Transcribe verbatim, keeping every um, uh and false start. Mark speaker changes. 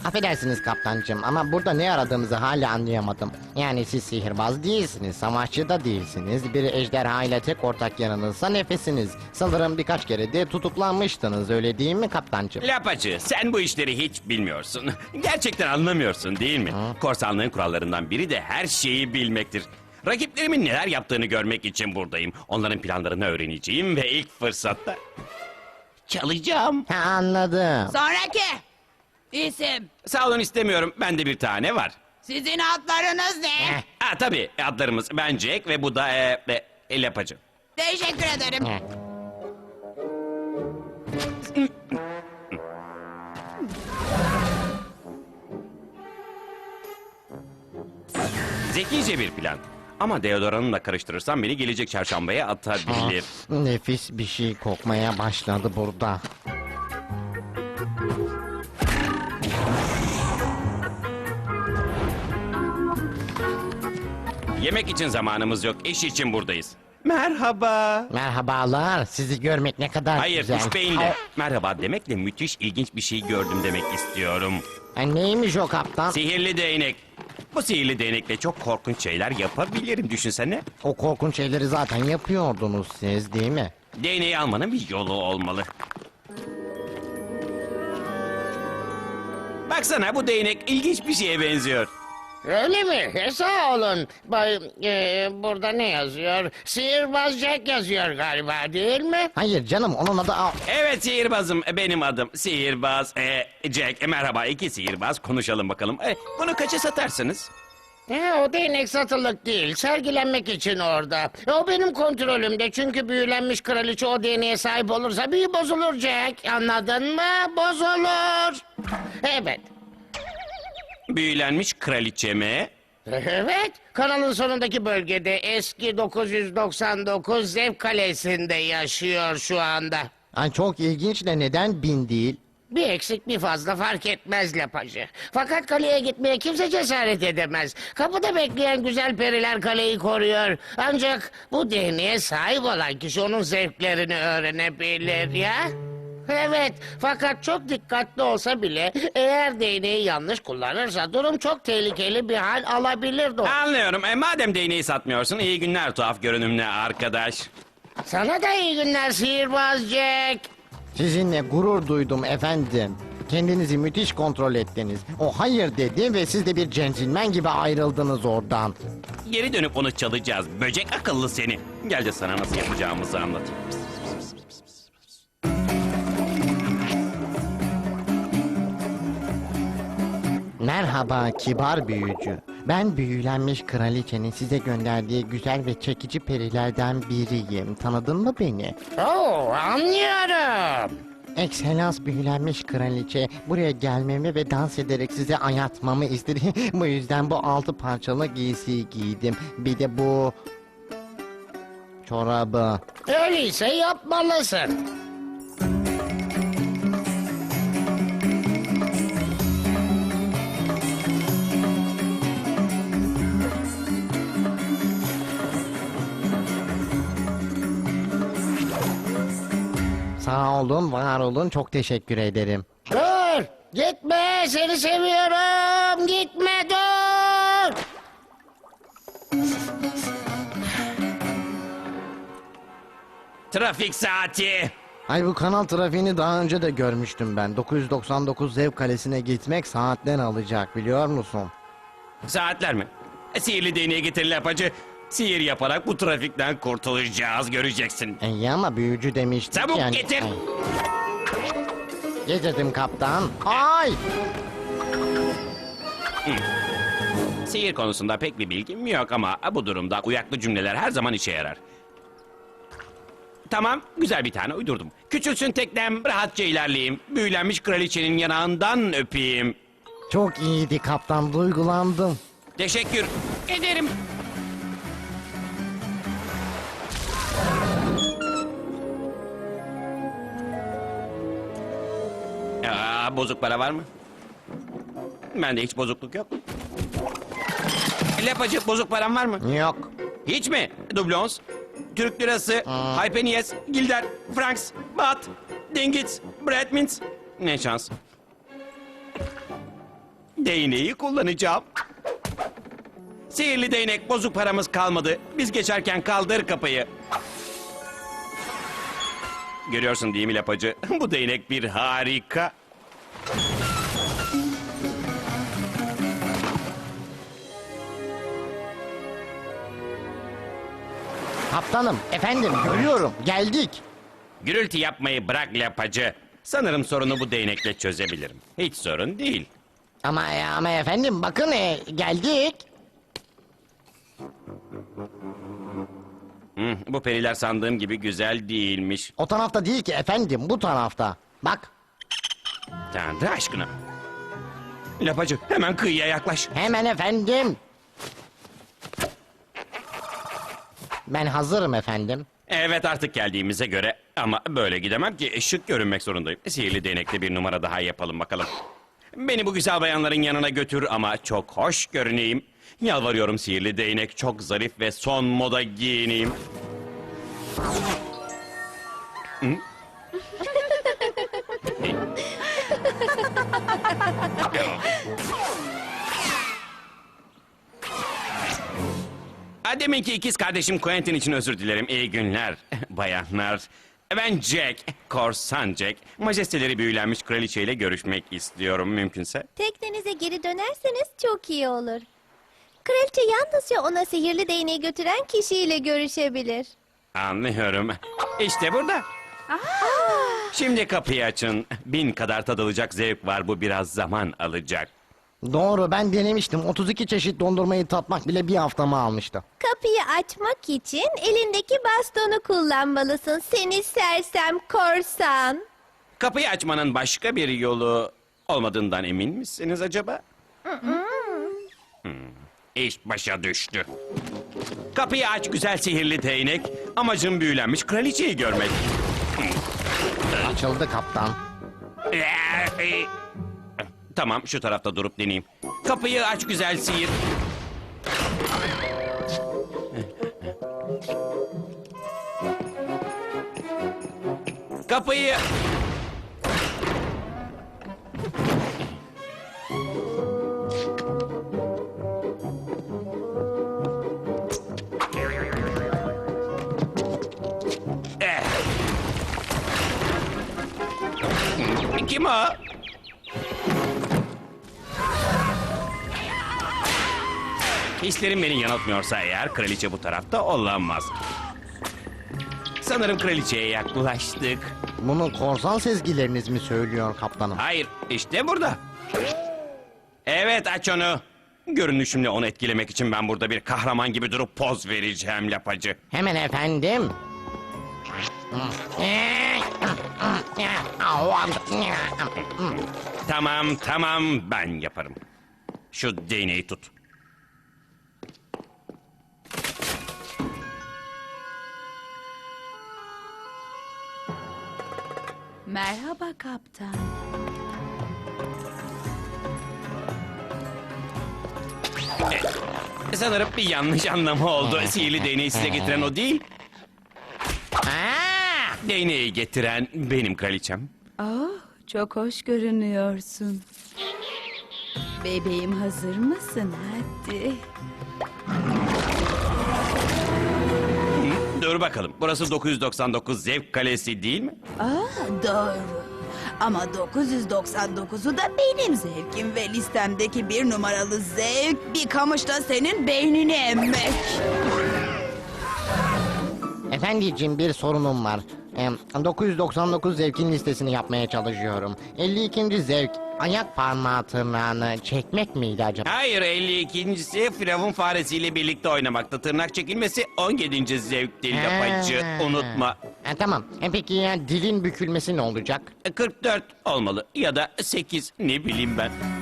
Speaker 1: Affedersiniz kaptancığım ama burada ne aradığımızı hala anlayamadım. Yani siz sihirbaz değilsiniz, savaşçı da değilsiniz. Bir ejderha ile tek ortak yanınızsa nefesiniz. Sanırım birkaç kere de tutuklanmıştınız, öyle değil mi kaptancığım?
Speaker 2: Lapacı, sen bu işleri hiç bilmiyorsun. Gerçekten anlamıyorsun değil mi? Korsanlığın kurallarından biri de her şeyi bilmektir. Rakiplerimin neler yaptığını görmek için buradayım. Onların planlarını öğreneceğim ve ilk fırsatta çalacağım.
Speaker 1: Ha, anladım.
Speaker 3: Sonraki isim.
Speaker 2: Sağ olun, istemiyorum. Bende bir tane var.
Speaker 3: Sizin adlarınız ne?
Speaker 1: Heh.
Speaker 2: Ha tabii, adlarımız ben Jack ve bu da e, e, Lapacı.
Speaker 3: Teşekkür ederim.
Speaker 1: Heh.
Speaker 2: Zekice bir plan. Ama deodoranımla karıştırırsam beni gelecek çarşambaya atabilir.
Speaker 1: Nefis bir şey kokmaya başladı burada.
Speaker 2: Yemek için zamanımız yok, iş için buradayız. Merhaba.
Speaker 1: Merhabalar, sizi görmek ne kadar
Speaker 2: Hayır,
Speaker 1: güzel.
Speaker 2: üç beyinle. Merhaba demekle müthiş ilginç bir şey gördüm demek istiyorum.
Speaker 1: Ha, neymiş o kaptan?
Speaker 2: Sihirli değnek. Bu sihirli değnekle çok korkunç şeyler yapabilirim, düşünsene.
Speaker 1: O korkunç şeyleri zaten yapıyordunuz siz değil mi?
Speaker 2: Değneği almanın bir yolu olmalı. Baksana, bu değnek ilginç bir şeye benziyor.
Speaker 4: Öyle mi? E, sağ olun. Bay, e, burada ne yazıyor? Sihirbaz Jack yazıyor galiba, değil mi?
Speaker 1: Hayır canım, onun adı... Aa,
Speaker 2: Evet, sihirbazım, benim adım sihirbaz e, Jack. E, merhaba, iki sihirbaz, konuşalım bakalım. E, bunu kaça satarsınız?
Speaker 4: E, o değnek satılık değil, sergilenmek için orada. O benim kontrolümde, çünkü büyülenmiş kraliçe o değneğe sahip olursa büyü bozulur Jack. Anladın mı? Bozulur. Evet.
Speaker 2: Büyülenmiş kraliçe mi?
Speaker 4: Evet, kanalın sonundaki bölgede eski dokuz yüz doksan dokuz Zev Kalesi'nde yaşıyor şu anda.
Speaker 1: ay çok ilginç de neden bin değil?
Speaker 4: Bir eksik bir fazla fark etmez Lapacı. Fakat kaleye gitmeye kimse cesaret edemez. Kapıda bekleyen güzel periler kaleyi koruyor. Ancak bu değneğe sahip olan kişi onun zevklerini öğrenebilir ya. Evet, fakat çok dikkatli olsa bile eğer değneği yanlış kullanırsa durum çok tehlikeli bir hal alabilir doğru.
Speaker 2: Anlıyorum. E, madem değneği satmıyorsun, iyi günler tuhaf görünümlü arkadaş.
Speaker 4: Sana da iyi günler sihirbaz Jack.
Speaker 1: Sizinle gurur duydum efendim. Kendinizi müthiş kontrol ettiniz. O hayır dedi ve siz de bir centilmen gibi ayrıldınız oradan.
Speaker 2: Geri dönüp onu çalacağız. Böcek akıllı seni. Gel de sana nasıl yapacağımızı anlatayım.
Speaker 1: Merhaba kibar büyücü. Ben büyülenmiş kraliçenin size gönderdiği güzel ve çekici perilerden biriyim. Tanıdın mı beni?
Speaker 4: Oo, anlıyorum.
Speaker 1: Ekselans büyülenmiş kraliçe buraya gelmemi ve dans ederek size ayatmamı istedi. Bu yüzden bu altı parçalı giysiyi giydim. Bir de bu çorabı.
Speaker 4: Öyleyse yapmalısın.
Speaker 1: Sağ olun, var olun. Çok teşekkür ederim.
Speaker 4: Dur! Gitme! Seni seviyorum! Gitme dur!
Speaker 2: Trafik saati.
Speaker 1: Ay bu kanal trafiğini daha önce de görmüştüm ben. dokuz yüz doksan dokuz Zev Kalesi'ne gitmek saatler alacak biliyor musun?
Speaker 2: Saatler mi? E, sihirli değneği getir Lapacı. Sihir yaparak bu trafikten kurtulacağız, göreceksin.
Speaker 1: İyi ama büyücü demiştik
Speaker 2: Çabuk
Speaker 1: yani.
Speaker 2: getir.
Speaker 1: Ay. Getirdim kaptan. Ay!
Speaker 2: Sihir konusunda pek bir bilgim yok ama bu durumda uyaklı cümleler her zaman işe yarar. Tamam, güzel bir tane uydurdum. Küçülsün teknem, rahatça ilerleyeyim. Büyülenmiş kraliçenin yanağından öpeyim.
Speaker 1: Çok iyiydi kaptan, duygulandım.
Speaker 2: Teşekkür ederim. Aa, bozuk para var mı? Bende hiç bozukluk yok. Lapacı, bozuk param var mı?
Speaker 1: Yok.
Speaker 2: Hiç mi? Dublons, Türk lirası, Haypeniyes, Gilder, Franks, Baht, Dingits, Bradmins. Ne şans. değneği kullanacağım. Sihirli değnek, bozuk paramız kalmadı. Biz geçerken kaldır kapıyı. Görüyorsun değil mi lapacı? Bu değnek bir harika.
Speaker 1: Kaptanım, efendim görüyorum. Geldik.
Speaker 2: Gürültü yapmayı bırak lapacı. Sanırım sorunu bu değnekle çözebilirim. Hiç sorun değil.
Speaker 1: Ama ama efendim bakın e, geldik.
Speaker 2: Hı, bu periler sandığım gibi güzel değilmiş.
Speaker 1: O tarafta değil ki efendim, bu tarafta. Bak,
Speaker 2: Tanrı aşkına. Lapacı hemen kıyıya yaklaş.
Speaker 1: hemen efendim. Ben hazırım efendim.
Speaker 2: Evet artık geldiğimize göre ama böyle gidemem ki şık görünmek zorundayım. Sihirli değnekte bir numara daha yapalım bakalım. Beni bu güzel bayanların yanına götür ama çok hoş görüneyim. Yalvarıyorum sihirli değnek, çok zarif ve son moda giyineyim. Hı? Ha, Deminki ikiz kardeşim Quentin için özür dilerim. İyi günler bayanlar. Ben Jack, korsan Jack. Majesteleri büyülenmiş kraliçeyle görüşmek istiyorum mümkünse.
Speaker 5: Teknenize geri dönerseniz çok iyi olur. Kraliçe yalnızca ona sihirli değneği götüren kişiyle görüşebilir.
Speaker 2: Anlıyorum. İşte burada. Şimdi kapıyı açın. Bin kadar tadılacak zevk var, bu biraz zaman alacak.
Speaker 1: Doğru, ben denemiştim. otuz iki çeşit dondurmayı tatmak bile bir haftamı almıştı.
Speaker 5: Kapıyı açmak için elindeki bastonu kullanmalısın seni sersem korsan.
Speaker 2: Kapıyı açmanın başka bir yolu olmadığından emin misiniz acaba? Hmm, İş başa düştü. Kapıyı aç güzel sihirli değnek. Amacım büyülenmiş kraliçeyi görmek.
Speaker 1: Açıldı kaptan.
Speaker 2: Tamam, şu tarafta durup deneyeyim. Kapıyı aç güzel sihir. Kapıyı... Eh. Kim o? Hislerim beni yanıltmıyorsa eğer kraliçe bu tarafta olamaz. Sanırım kraliçeye yaklaştık.
Speaker 1: Bunu korsan sezgileriniz mi söylüyor kaptanım?
Speaker 2: Hayır, işte burada. Evet, aç onu. Görünüşümle onu etkilemek için ben burada bir kahraman gibi durup poz vereceğim lapacı.
Speaker 1: Hemen efendim.
Speaker 2: Tamam, tamam, ben yaparım. Şu değneği tut.
Speaker 3: Merhaba kaptan.
Speaker 2: Sanırım bir yanlış anlama oldu. Sihirli değneği size getiren o değil.
Speaker 1: Aa!
Speaker 2: Değneği getiren benim kraliçem.
Speaker 3: Oh, çok hoş görünüyorsun. Bebeğim hazır mısın? Hadi.
Speaker 2: Dur bakalım. Burası dokuz yüz doksan dokuz Zevk Kalesi değil mi?
Speaker 3: Aa, doğru. Ama dokuz yüz doksan dokuzu da benim zevkim ve listemdeki bir numaralı zevk bir kamışla senin beynini emmek.
Speaker 1: Efendiciğim, bir sorunum var. Em, dokuz yüz doksan dokuz zevkin listesini yapmaya çalışıyorum. elli ikinci zevk ayak parmağı tırnağını çekmek miydi acaba?
Speaker 2: Hayır, elli ikincisi Firavun faresiyle birlikte oynamakta. Tırnak çekilmesi on yedinci zevkti lapacı.
Speaker 1: Ha.
Speaker 2: Unutma.
Speaker 1: E, tamam. E, peki ya dilin bükülmesi ne olacak?
Speaker 2: kırk dört olmalı ya da sekiz, ne bileyim ben.